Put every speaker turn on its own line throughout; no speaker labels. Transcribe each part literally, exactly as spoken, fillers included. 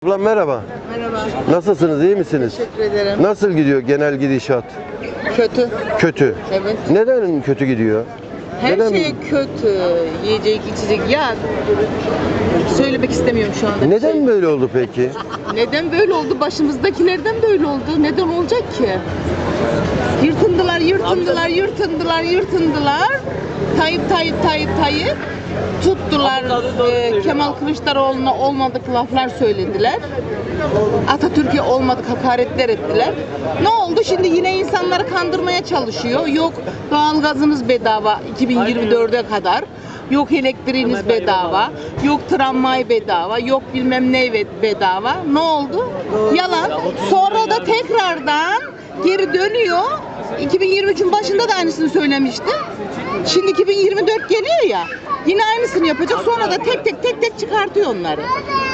Ablam merhaba.
Merhaba.
Nasılsınız, iyi misiniz?
Teşekkür ederim.
Nasıl gidiyor genel gidişat?
Kötü.
Kötü.
Evet.
Neden kötü gidiyor?
Her
Neden?
şey kötü. Yiyecek, içecek. Ya söylemek istemiyorum şu anda. bir
Neden
şey.
böyle oldu peki?
Neden böyle oldu? Başımızdakilerden böyle oldu. Neden olacak ki? Yırtındılar, yırtındılar, yırtındılar, yırtındılar. Tayyip, Tayyip, Tayyip, Tayyip. Tuttular. e, Kemal Kılıçdaroğlu'na olmadık laflar söylediler. Atatürk'e olmadık hakaretler ettiler. Ne oldu? Şimdi yine insanları kandırmaya çalışıyor. Yok doğalgazınız bedava iki bin yirmi dörde kadar. Yok elektriğiniz bedava. Yok tramvay bedava. Yok bilmem ne bedava. Ne oldu? Yalan. Sonra da tekrardan geri dönüyor. iki bin yirmi üçün başında da aynısını söylemişti. Şimdi iki bin yirmi dört geliyor ya. Yine aynısını yapacak. Sonra da tek tek tek tek çıkartıyor onları.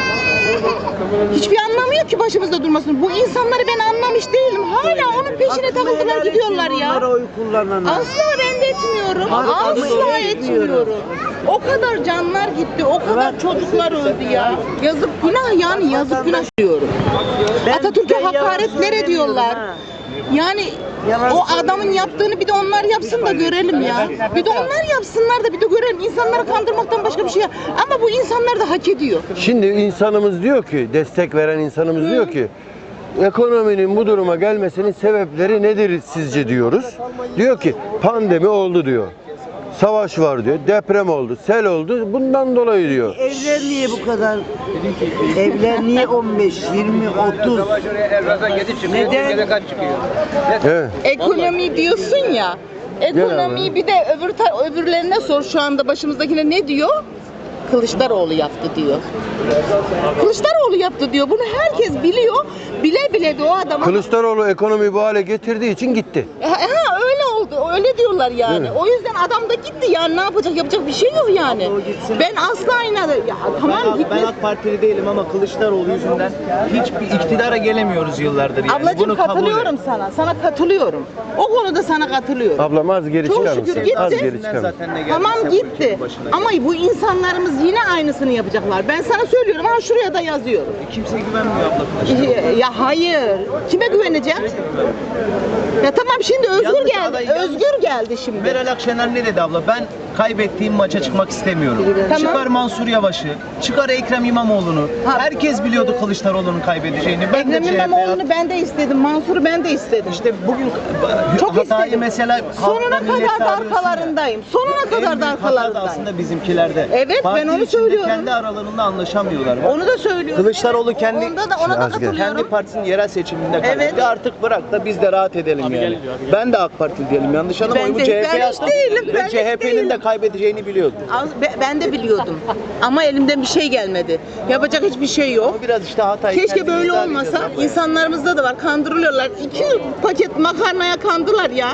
Hiçbir anlamı yok ki başımızda durmasın. Bu insanları ben anlamış değilim. Hala onun peşine takıldılar gidiyorlar ya. Asla ben de etmiyorum. Asla etmiyorum. O kadar canlar gitti. O kadar çocuklar öldü ya. Yazık günah yani yazık günah diyorum. Atatürk'e hakaretler ediyorlar. Yani o adamın yaptığını bir de onlar yapsın da görelim ya. Bir de onlar yapsınlar da bir de görelim. İnsanları kandırmaktan başka bir şey yap. Ama bu insanlar da hak ediyor.
Şimdi insanımız diyor ki, destek veren insanımız Hı. diyor ki, ekonominin bu duruma gelmesinin sebepleri nedir sizce diyoruz. Diyor ki pandemi oldu diyor. Savaş var diyor, deprem oldu, sel oldu, bundan dolayı diyor.
Evler niye bu kadar? Evler niye on beş, yirmi, otuz? Neden?
Evet.
Ekonomi diyorsun ya. Ekonomiyi bir de öbür ta- öbürlerine sor şu anda başımızdakine ne diyor? Kılıçdaroğlu yaptı diyor. Kılıçdaroğlu yaptı diyor. Bunu herkes biliyor. Bile bile de o adama...
Kılıçdaroğlu ekonomiyi bu hale getirdiği için gitti.
Ha, ha, öyle oldu. Öyle diyorlar yani. O yüzden adam da gitti yani ne yapacak? Yapacak bir şey yok yani. Ben asla inanırım. Ya tamam
Ben,
gitmez.
ben AK Partili değilim ama Kılıçdaroğlu yüzünden hiçbir iktidara gelemiyoruz yıllardır yani.
Ablacığım
Bunu kabul
katılıyorum
et.
sana. Sana katılıyorum. O konuda sana katılıyorum.
Ablam az geri
Çok
çıkar
şükür
mısın?
gitti.
Az geri çıkar mısın?
Zaten ne geldi,
Tamam
sen bu
gitti.
ülkenin başına
Ama bu insanlarımız yine aynısını yapacaklar. Ben sana söylüyorum. Ha şuraya da yazıyorum.
Kimse güvenmiyor abla Kılıçdaroğlu'na.
Ya hayır. Kime güveneceğim? Ya tamam şimdi Özgür
Yanlış
geldi.
aday, yanlış.
Özgür geldi şimdi.
Meral Akşener ne dedi abla? Ben kaybettiğim maça çıkmak istemiyorum.
Tamam.
Çıkar Mansur Yavaş'ı, çıkar Ekrem İmamoğlu'nu.
Ha.
Herkes biliyordu Kılıçdaroğlu'nun kaybedeceğini. Ben de
Ekrem
C H P 'ye
İmamoğlu'nu ben de istedim. Mansur'u ben de istedim.
İşte bugün
Çok
hatayı
istedim.
mesela
Sonuna
halkla, millete
kadar da
arıyorsun ya.
arkalarındayım. Sonuna
En
kadar
büyük
da
hata da
arkalarındayım.
aslında bizimkilerde.
Evet, ben
Parti
onu
içinde
söylüyorum.
Kendi aralarında anlaşamıyorlar.
Onu da söylüyorum.
Kılıçdaroğlu kendi
Onda da ona da
Az gel.
kendi
katılıyorum.
partisinin yerel seçiminde kaybetti.
Evet.
Artık bırak da biz de rahat edelim yani. Ben de AK Parti diyelim. Yanlış anlama.
Ben
Bu
de-
C H P'ye
ben hiç
attım
değilim, ben
ve
hiç
C H P'nin
değilim.
de kaybedeceğini biliyordum.
Az- be- Ben de biliyordum. Ama elimden bir şey gelmedi. Yapacak hiçbir şey yok.
Ama biraz işte hatayı
Keşke
kendimiz
böyle
daha
olmasa.
bileceğiz abla.
İnsanlarımızda da var. Kandırılıyorlar. İki paket makarnaya kandılar ya.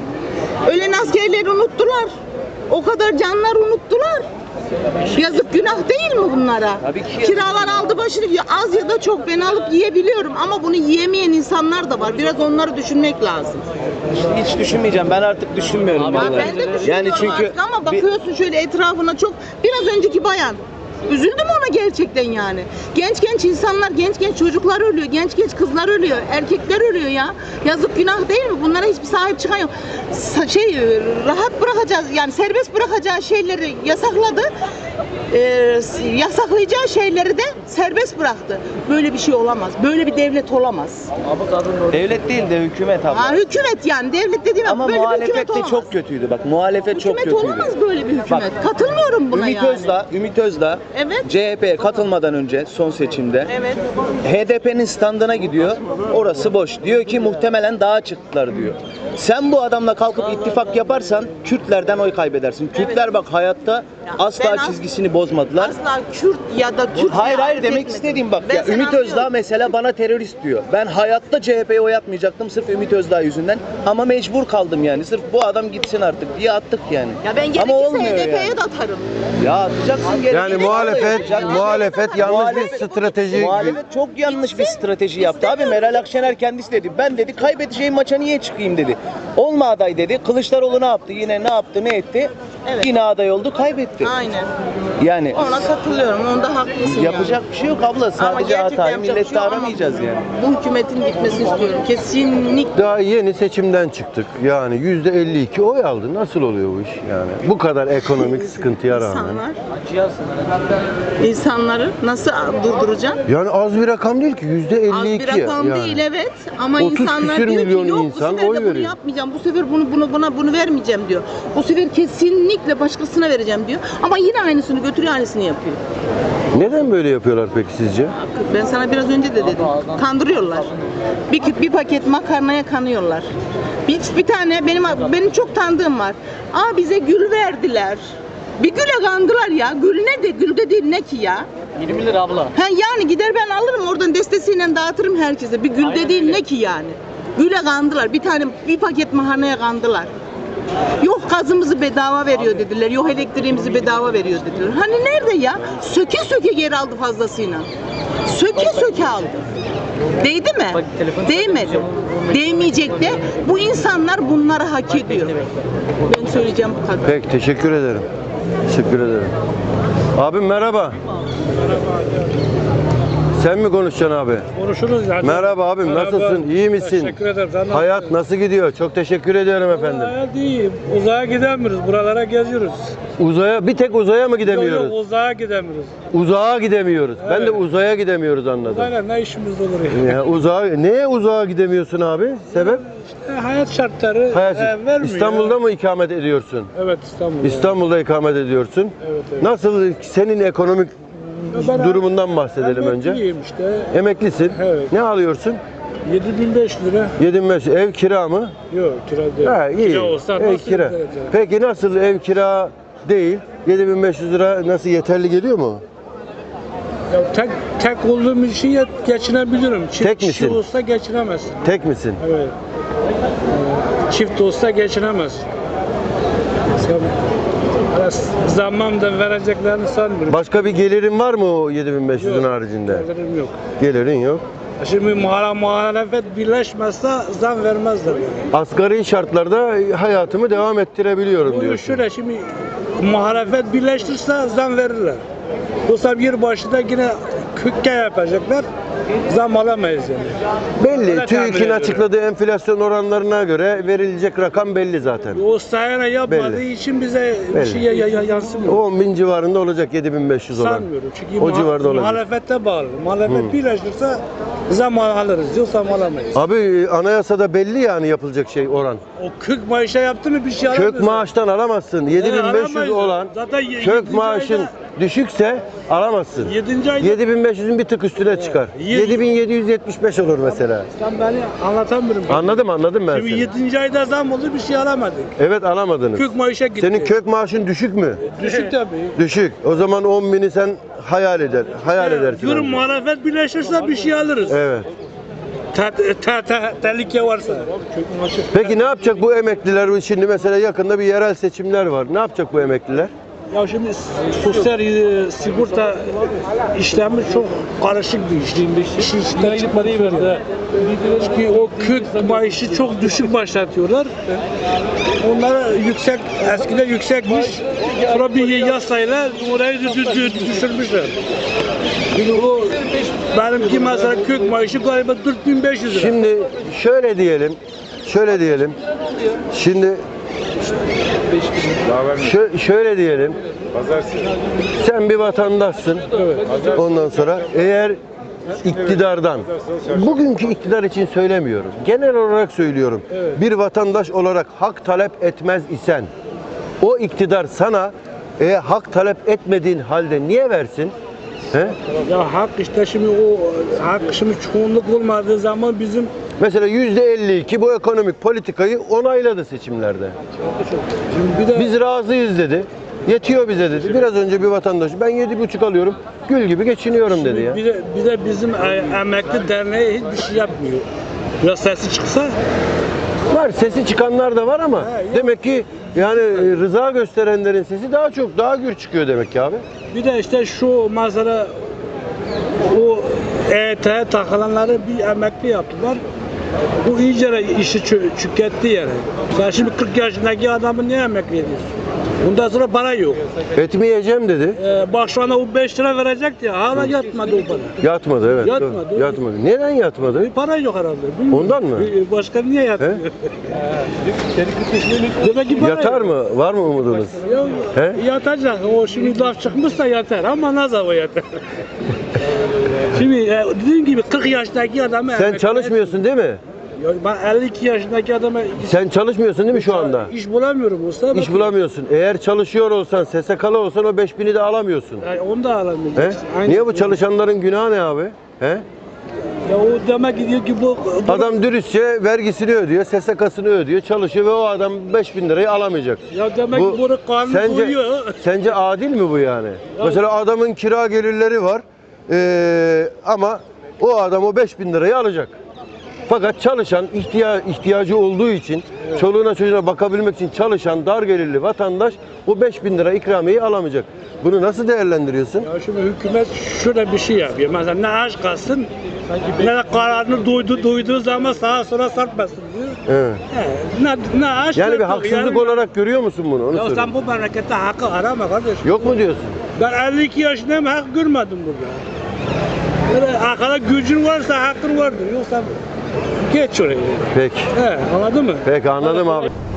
Ölen askerleri unuttular. O kadar canlar unuttular. Yazık günah değil mi bunlara?
Tabii ki.
Kiralar aldı başını. Ya az ya da çok ben alıp yiyebiliyorum ama bunu yiyemeyen insanlar da var. Biraz onları düşünmek lazım.
Hiç düşünmeyeceğim. Ben artık düşünmüyorum
Ya
vallahi.
ben de düşünüyorum
Yani çünkü
artık ama
bir-
bakıyorsun şöyle etrafına çok biraz önceki bayan. Üzüldüm ona gerçekten yani. Genç genç insanlar, genç genç çocuklar ölüyor, genç genç kızlar ölüyor, erkekler ölüyor ya. Yazık günah değil mi? Bunlara hiçbir sahip çıkan yok. Sa- Şey rahat bırakacağız yani serbest bırakacağı şeyleri yasakladı. Ee, yasaklayacağı şeyleri de serbest bıraktı. Böyle bir şey olamaz. Böyle bir devlet olamaz.
devlet değil de hükümet abla.
Ha, hükümet yani devlet dediğim
Ama
böyle bir hükümet
muhalefet de
olamaz.
çok kötüydü. Bak muhalefet çok
Hükümet
kötüydü.
olamaz böyle bir hükümet.
Bak,
Katılmıyorum buna
Ümit
yani.
Özdağ, Ümit Özdağ
Evet.
C H P'ye katılmadan önce son seçimde
Evet.
H D P'nin standına gidiyor. Orası boş. Diyor ki muhtemelen dağa çıktılar diyor. Sen bu adamla kalkıp ittifak yaparsan Kürtlerden oy kaybedersin. Kürtler bak hayatta asla
ben as-
çizgisini bozmadılar.
Asla Kürt ya da Türk
Hayır
diye
hayır
ayırt
demek
etmedim.
istediğim bak
Ben
ya
seni
Ümit
anlıyorum.
Özdağ mesela bana terörist diyor. Ben hayatta C H P'ye oy atmayacaktım sırf Ümit Özdağ yüzünden ama mecbur kaldım yani. Sırf bu adam gitsin artık diye attık yani.
Ya ben
ama
gerekirse
olmuyor
H D P'ye
yani.
de atarım.
Ya atacaksın gene.
Yani
Gerekirse
muhalefet muhalefet yanlış bir strateji.
Muhalefet çok yanlış bir strateji yaptı abi. Meral Akşener kendisi dedi. Ben dedi kaybedeceğim maça niye çıkayım dedi. Olma aday dedi. Kılıçdaroğlu ne yaptı? Yine ne yaptı? Ne etti?
Evet.
Yine aday oldu, kaybetti.
Aynen.
Yani
Ona katılıyorum. Onda haklısın
yapacak bir şey yok abla. Sadece
gerçekten
hatayı
yapacak bir
millette
şey yok ama
aramayacağız yani.
Bu hükümetin gitmesini istiyorum. Kesinlikle.
Daha yeni seçimden çıktık. Yani yüzde elli iki oy aldı. Nasıl oluyor bu iş yani? Bu kadar ekonomik sıkıntıya rağmen.
İnsanlar, insanları nasıl durduracaksın?
Yani az bir rakam değil ki. Yüzde
Az
elli
bir
iki
rakam
yani.
değil evet ama
otuz
insanlar
küsür
diyor
milyon
ki yok bu
insan
sefer
oy
de bunu
veriyor.
yapmayacağım, bu sefer bunu bunu buna bunu vermeyeceğim diyor. Bu sefer kesinlikle başkasına vereceğim diyor ama yine aynısını götürüyor aynısını yapıyor.
Neden böyle yapıyorlar peki sizce?
Ben sana biraz önce de dedim. Kandırıyorlar. Bir, bir paket makarnaya kanıyorlar. Bir, bir tane benim benim çok tanıdığım var. Aa bize gül verdiler. Bir güle kandılar ya. Gül ne de gül de değil ne ki ya?
yirmi lira abla.
Ha yani gider ben alırım oradan destesiyle dağıtırım herkese. Bir gül de
Aynen
değil
öyle.
ne ki yani? Güle kandılar. Bir tane bir paket makarnaya kandılar. Yok gazımızı bedava veriyor dediler. Yok elektriğimizi bedava veriyor dediler. Hani nerede ya? Söke söke geri aldı fazlasıyla. Söke söke aldı. Değdi mi?
Bak, telefonu
Değmedi.
saklayacağım.
Değmeyecek de bu insanlar bunları hak ediyor. Ben söyleyeceğim bu kadar.
Peki teşekkür ederim. Teşekkür ederim. Abim merhaba. Sen mi konuşacaksın abi?
Konuşuruz zaten.
Merhaba abim,
Merhaba.
nasılsın? İyi misin?
Teşekkür ederim. Sen nasılsın?
Hayat nasıl gidiyor? Çok teşekkür ediyorum efendim.
Hayat iyi. Uzaya gidemiyoruz. Buralara geziyoruz.
Uzaya, bir tek uzaya mı
Yok, yok,
gidemiyoruz?
uzaya gidemiyoruz.
Uzağa gidemiyoruz. Ben de
Evet.
uzaya gidemiyoruz anladım.
Uzayla ne işimiz olur ya?
Ya uzağa, neye uzağa gidemiyorsun abi? Sebep?
İşte hayat şartları
Hayat,
e, vermiyor.
İstanbul'da mı ikamet ediyorsun?
Evet İstanbul'da.
İstanbul'da ikamet ediyorsun.
Evet, evet.
Nasıl senin ekonomik
Ben-
durumundan bahsedelim önce.
Emekliyim işte.
Emeklisin.
Evet.
Ne alıyorsun?
yedi bin beş yüz lira.
yedi beş ev kira mı?
Yok kira değil.
Ha iyi.
Kira olsa
ev
nasıl
kira.
ödeyeceğiz?
Peki nasıl ev kira değil? yedi bin beş yüz lira nasıl yeterli geliyor mu?
Ya tek tek olduğum için yet- geçinebilirim. Çift
Tek
kişi
misin?
olsa geçinemezsin.
Tek misin?
Evet. Ee, Çift olsa geçinemez. Sen zammam da vereceklerini sanmıyorum.
Başka bir gelirin var mı o yedi bin beş yüzün
Yok,
haricinde?
gelirim yok.
Gelirin yok.
Şimdi muhara- muhalefet birleşmezse zam vermezler. Yani.
Asgari şartlarda hayatımı devam ettirebiliyorum
Bu
diyorsun.
şöyle şimdi muhalefet birleştirse zam verirler. Yoksa bir başında yine kükke yapacaklar. Zam alamayız yani.
Belli.
Öyle tahmin
TÜİK'in
ediyorum.
açıkladığı enflasyon oranlarına göre verilecek rakam belli zaten.
O sayana yapmadığı
Belli.
için bize bir
Belli.
şey ya- ya- yansımıyor.
on bin civarında olacak yedi bin beş yüz olan.
Sanmıyorum. Çünkü
O
muha-
civarda olacak.
muhalefete bağlı. Muhalefet
Hı.
birleşirse zam alırız. Yoksa alamayız.
Abi anayasada belli yani yapılacak şey oran.
O kırk maaşa yaptı mı bir şey alamıyoruz.
Kök maaştan alamazsın. yedi bin beş yüz
alamayız.
olan
Zaten ye-
kök
yedinci
maaşın
ayda-
düşükse alamazsın.
Yedinci ayda
yedi bin beş yüzün bir tık üstüne çıkar.
Yedi-
yedi bin yedi yüz yetmiş beş olur mesela.
sen beni anlatamıyorum.
Anladım anladım ben
Şimdi
seni.
yedinci ayda zam oldu bir şey alamadık.
Evet alamadınız.
Kök maaşa gitti.
Senin kök maaşın düşük mü?
Düşük tabii.
Düşük. O zaman on bini sen hayal eder. Hayal edersin.
Diyorum
bence.
muhalefet birleşirse bir şey alırız.
Evet.
Te, te, te, tehlike varsa.
Peki ne yapacak bu emekliler? Şimdi mesela yakında bir yerel seçimler var. Ne yapacak bu emekliler?
Ya şimdi sosyal e, sigorta işlemi çok karışık bir iş. İşin içinden çıkmadığı yerde. Çünkü o kök maaşı çok düşük başlatıyorlar. Onlara yüksek, eskiden yüksekmiş. Sonra bir yasayla orayı dü- dü- dü- düşürmüşler. Şimdi o benimki mesela kök maaşı galiba dört bin beş yüz lira.
Şimdi şöyle diyelim. Şöyle diyelim. Şimdi şö- şöyle diyelim. Sen bir vatandaşsın. Ondan sonra eğer iktidardan, bugünkü iktidar için söylemiyorum. Genel olarak söylüyorum. Bir vatandaş olarak hak talep etmez isen o iktidar sana e, hak talep etmediğin halde niye versin? He?
Ya hak işte şimdi o hak şimdi çoğunluk olmadığı zaman bizim
Mesela yüzde elli iki bu ekonomik politikayı onayladı seçimlerde.
şimdi bir de
Biz razıyız dedi. Yetiyor bize dedi. Biraz önce bir vatandaş ben yedi buçuk alıyorum. Gül gibi geçiniyorum dedi ya.
Bir de, bir de bizim e, emekli derneği hiçbir şey yapmıyor. Biraz sesi çıksa
Var sesi çıkanlar da var ama
He, yok.
demek ki Yani e, rıza gösterenlerin sesi daha çok, daha gür çıkıyor demek ki abi.
Bir de işte şu mesela o E Y T'ye takılanları bir emekli yaptılar. Bu iyice işi çö- çökertti yani. Sen şimdi kırk yaşındaki adamı niye emekli ediyorsun? Bundan sonra para yok.
Etmeyeceğim dedi.
Ee, bak şu anda o beş lira verecekti ya. Hala yatmadı o para.
Yatmadı evet.
Yatmadı.
Doğru. Yatmadı. Neden yatmadı?
Para yok herhalde. Bilmiyorum.
Ondan mı?
Ee, Başka niye yatmıyor? Demek ki para
Yatar
yok.
mı? Var mı umudunuz?
Yok,
He?
yatacak. O şimdi laf çıkmışsa yatar ama ne zaman yatar? Şimdi e, dediğim gibi kırk yaşındaki adamı
Sen
emekli-
çalışmıyorsun değil mi?
Ya ben elli iki yaşındaki adama
Sen çalışmıyorsun değil mi şu anda?
iş bulamıyorum usta.
İş bulamıyorsun. Eğer çalışıyor olsan, S S K'lı olsan o beş bini de alamıyorsun.
Yani onu da
He?
alamayacaksın. Aynı-
Niye bu çalışanların günahı ne abi? He?
Ya o demek ki diyor ki bu, bu
Adam dürüstçe vergisini ödüyor, S S K'sını ödüyor, çalışıyor ve o adam beş bin lirayı alamayacak.
ya demek
Bu-
ki bunu kanun
Sence,
koyuyor.
sence adil mi bu yani? Mesela adamın kira gelirleri var ee, ama o adam o beş bin lirayı alacak. Fakat çalışan, ihtiya ihtiyacı olduğu için, çoluğuna çocuğuna bakabilmek için çalışan dar gelirli vatandaş o beş bin lira ikramiyeyi alamayacak. Bunu nasıl değerlendiriyorsun?
Ya şimdi hükümet şöyle bir şey yapıyor. Mesela ne aç kalsın, ne de kararını duydu, duyduğu zaman sağa sola sarpmasın diyor.
Evet.
He, ne, ne aç
Yani bir
kalsın,
haksızlık
yani-
olarak görüyor musun bunu? Onu
Ya
soruyorum.
sen bu memlekette hakkı arama kardeş.
Yok mu diyorsun?
Ben elli iki yaşındayım, hak görmedim burada. Böyle arkada gücün varsa hakkın vardır. Yoksa geç oraya.
Peki.
He, anladın mı?
Peki anladım abi.